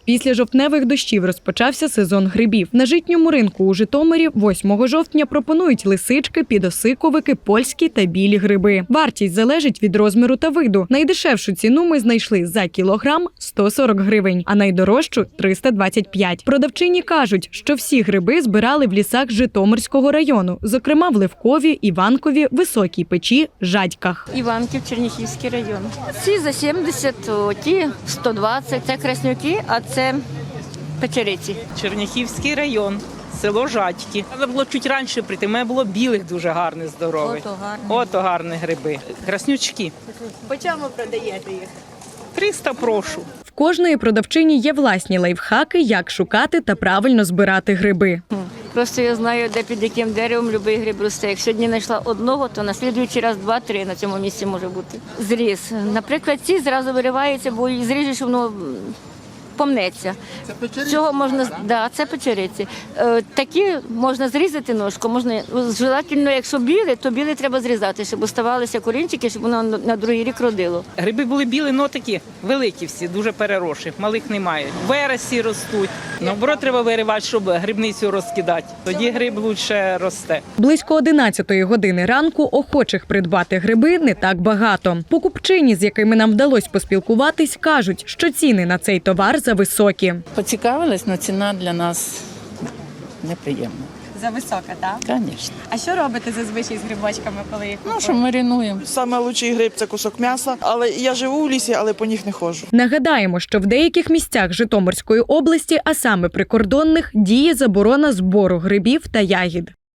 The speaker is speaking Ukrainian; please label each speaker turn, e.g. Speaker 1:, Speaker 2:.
Speaker 1: Після жовтневих дощів розпочався сезон грибів. На житньому ринку у Житомирі 8 жовтня пропонують лисички, підосиковики, польські та білі гриби. Вартість залежить від розміру та виду. Найдешевшу ціну ми знайшли за кілограм – 140 гривень, а найдорожчу – 325. Продавчині кажуть, що всі гриби збирали в лісах Житомирського району, зокрема в Левкові, Іванкові, Високій Печі, Жадьках.
Speaker 2: Іванків, Черняхівський район. Ці за 70, ті 120. Це краснюки, а це печериці.
Speaker 3: Черняхівський район, село Жадьки. Треба було чуть раніше прийти, у мене було білих дуже гарних, здорових. Ото гарні гриби. Краснючки.
Speaker 2: По чому продаєте їх?
Speaker 3: 300 прошу.
Speaker 1: В кожної продавчині є власні лайфхаки, як шукати та правильно збирати гриби.
Speaker 2: Просто я знаю, де під яким деревом будь-який гриб росте. Як сьогодні знайшла одного, то на слідуючий раз 2-3 на цьому місці може бути. Зріз. Наприклад, ці зразу вириваються, бо зріжеш, воно помнеться.
Speaker 4: Це печериці?
Speaker 2: Цього можна, да, це печериці. Такі можна зрізати ножку, можна, желательно, якщо біле, то біле треба зрізати, щоб оставалися корінчики, щоб воно на другий рік родило.
Speaker 3: Гриби були білі, но такі великі всі, дуже переросші, малих немає. Вересі ростуть. Наоборот, треба виривати, щоб грибницю розкидати. Тоді гриб лучше росте.
Speaker 1: Близько 11-ї години ранку охочих придбати гриби не так багато. Покупчині, з якими нам вдалося поспілкуватись, кажуть, що ціни на цей товар зависокі.
Speaker 5: Поцікавилась, але ціна для нас неприємна.
Speaker 6: Зависока, так?
Speaker 5: Звісно.
Speaker 6: А що робите зазвичай з грибочками, коли їх
Speaker 5: Ну,
Speaker 6: купуєте?
Speaker 5: що маринуємо.
Speaker 7: Саме лучший гриб – це кусок м'яса, але я живу в лісі, але по них не ходжу.
Speaker 1: Нагадаємо, що в деяких місцях Житомирської області, а саме прикордонних, діє заборона збору грибів та ягід.